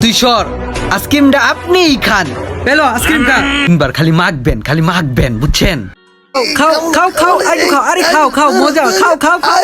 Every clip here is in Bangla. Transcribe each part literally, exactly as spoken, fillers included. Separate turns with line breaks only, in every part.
তুই সর, আইসক্রিমটা আপনিই খান। পেলো আইসক্রিম খা, তিনবার খালি মাখবেন, খালি মাখবেন, বুঝছেন? খাও খাও খাও, আরে খাও, আরে খাও খাও, মজা, খাও খাও খাও।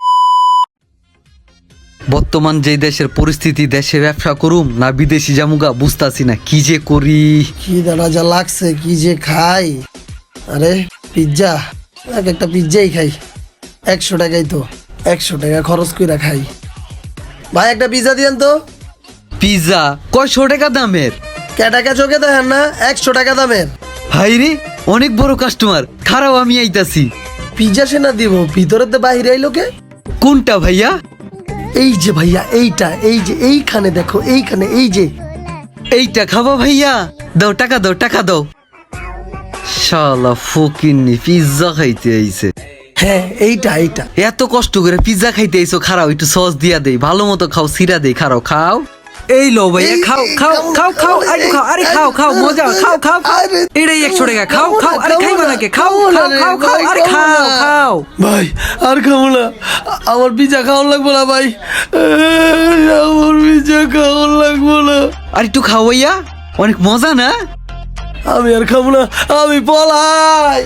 বর্তমান যে দেশের পরিস্থিতি, দেশে ব্যবসা করুম না বিদেশি জামুগা বুঝতাছি না, কি যে করি।
কি দাঁড়া যা লাগছে, কি যে খাই। আরে পিৎজা, এক একটা পিৎজাই খাই, একশো টাকাই তো, একশো টাকা খরচ করে খাই। ভাই একটা পিৎজা দিয়েন তো।
পিৎজা কয়শো টাকা দামের?
কে টাকা চোখে দেখেন না, একশো টাকা দামের।
হাই রে, অনেক বড় কাস্টমার, খারাপ আমি আইতাছি।
পিৎজা সে না দিব, ভিতরেতে বাহিরে আইলো কে?
কোনটা ভাইয়া?
এই যে ভাইয়া, এইটা, এই যে এইখানে দেখো, এইখানে, এই যে
এইটা খাবা ভাইয়া? দাও টাকা, দাও টাকা দাও। শালা ফকিন্নি পিৎজা খাইতে আইছে।
হ্যাঁ এইটা, এইটা।
এত কষ্ট করে পিৎজা খাইতে আইছো, খারাও একটু সস দিয়া দেই, ভালো মতো খাও, সিরা দেই, খারাও খাও। এই লো ভাইয়া, খাও খাও খাও খাও, আরে খাও, আরে খাও খাও, মজা, খাও খাও। এটাই একশো টাকা, খাও খাও, আরে খাইবা নাকি? খাও খাও খাও খাও, আরে খাও খাও।
ভাই আর খাবো না, আমার পিৎজা খাওয়ার লাগবো না ভাই, আমার পিৎজা খাওয়ার লাগবো না।
আর একটু খাও ভাইয়া, অনেক মজা না?
আমি আর খাবো না, আমি পলাই।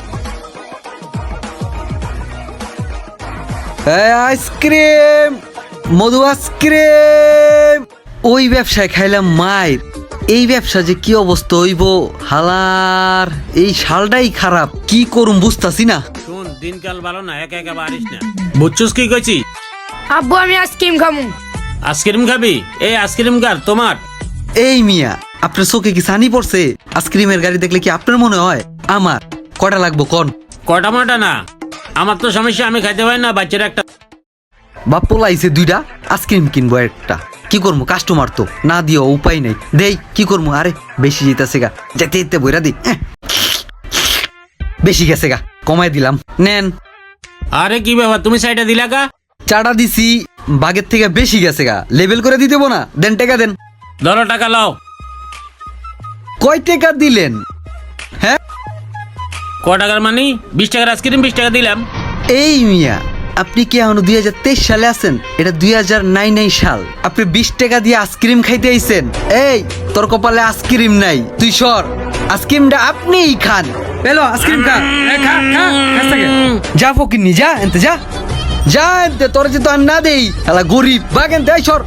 আইসক্রিম, মধু আইসক্রিম। ওই ব্যবসায় খাইলাম মায়ের, এই ব্যবসা যে কি অবস্থা হইব, হালার এই শালটাই খারাপ, কি করুম বুঝতাছি না।
শুন, দিনকাল ভালো না, একা একা বাড়িস না, বুঝছস কি কইছি?
আব্বু আমি আইসক্রিম খামু।
আইসক্রিম খাবি? এই আইসক্রিম কার তোমার?
এই মিয়া, আপনার চোখে কি ছানি পড়ছে? আইসক্রিমের গাড়ি দেখলে কি আপনার মনে হয় আমার? কটা লাগবো কোন?
কটা মাটা না, আমার তো সমস্যা, আমি খাইতে পারি না, বাচ্চার একটা।
বাপ পোলাইছে দুইটা, আইসক্রিম কিনবো একটা, কি করবো? কাস্টমার তো না দিও উপায় নেই, দেই কি করবো? আরে বেশি যেতেছে গা, যেতে যেতে বইরা দি, বেশি গেছে গা, কমাই দিলাম, নেন।
আরে কি ব্যাপার, তুমি সাইডে দিলা কা?
চাটা দিছি, বাগের থেকে বেশি গেছে গা, লেবেল করে দিতে না, দেন টাকা দেন।
ধরো টাকা লাও।
কয় টাকা দিলেন? হ্যাঁ
ক টাকার মানি? বিশ টাকার আইসক্রিম বিশ টাকা দিলাম।
এই মিয়া, আপনি কি এখন দুই হাজার তেইশ সালে আছেন? এটা দুই হাজার নাই নাই সাল, আপনি বিশ টাকা দিয়ে আইসক্রিম খাইতে আইছেন? এই তোর কপালে আইসক্রিম নাই, তুই সর, আইসক্রিমটা আপনিই খান। পেলো আইসক্রিম খা, এ খা খা, খাস থেকে। যা ফকিন্নি, যা এনতে, যা যা এনতে, তোর যে তো আর না দেই, শালা গরিব, বাগ এনতে, এই সর।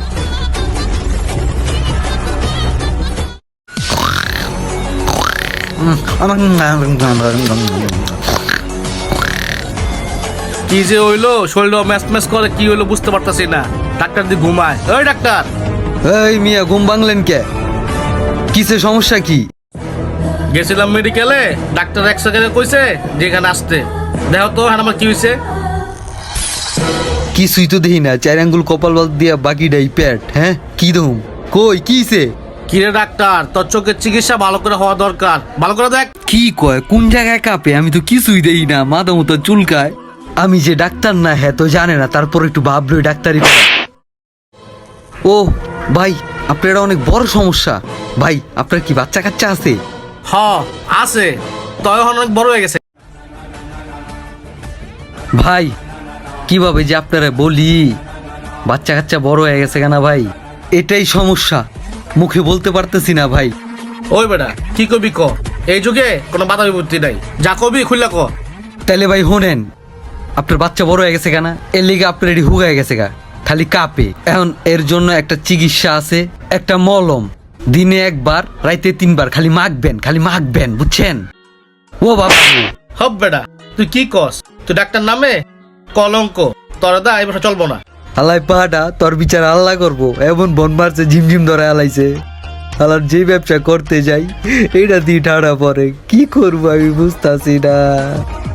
কি যে হইলো, শরীরটা ম্যাচ ম্যাচ করে, কি হইলো বুঝতে পারতাছি না। ডাক্তার দিয়ে ঘুমায়। ওই ডাক্তার।
এই মিয়া, ঘুম ভাঙলেন কে? কিসে সমস্যা কি?
গেছিলাম মেডিকেলে, ডাক্তার এক্সরে করে কইছে যেখানে আসতে। দেখো তো হ্যাঁ আমার কি হয়েছে।
কিছুই তো দেখি না, চার আঙ্গুল কপাল বাদ দিয়া বাকিটাই পেট। হ্যাঁ কি দম, কই কিছে?
কিরে ডাক্তার, তোর চোখের চিকিৎসা ভালো করে হওয়া দরকার, ভালো করে দেখ।
কি কয়, কোন জায়গায় কাঁপে? আমি তো কিছুই দেখি না, মাথা মতো চুলকায়। আমি যে ডাক্তার না, হ্যাঁ তো জানে না, তারপর একটু ভাবলো ডাক্তারি। ও ভাই, আপনার এটা অনেক বড় সমস্যা। ভাই আপনার কি বাচ্চা কাচ্চা আছে?
হ আছে, তয় অনেক বড় হয়ে গেছে।
ভাই কিভাবে যে আপনারা বলি, বাচ্চা কাচ্চা বড় হয়ে গেছে কেনা ভাই, এটাই সমস্যা, মুখে বলতে পারতেছি না ভাই।
ওই বেটা কি কবি ক, এই যুগে কোনো বাধা বিপত্তি নাই, যা কবি খুললা ক।
তাইলে ভাই হোনেন, আপনার বাচ্চা বড় হয়ে গেছে কেনা, এর লিগে আপনার এটি হুগায় গেছে গা, খালি কাঁপে। এখন এর জন্য একটা চিকিৎসা আছে, একটা মলম, দিনে একবার রাইতে তিনবার খালি মাখবেন, খালি মাখবেন, বুঝছেন? ও বাবা
হব বেটা, তুই কি কস? তুই ডাক্তার নামে কলঙ্ক, তোর দা এই বছর চলবো না।
আল্লাহ পাহাটা তোর বিচার আল্লাহ করবো, এমন বন মারছে, ঝিমঝিম ধরে আলাইছে। আল্লাহর যে ব্যবসা করতে যাই, এটা দিয়ে ঠাড়া পরে, কি করবো আমি বুঝতাছি না।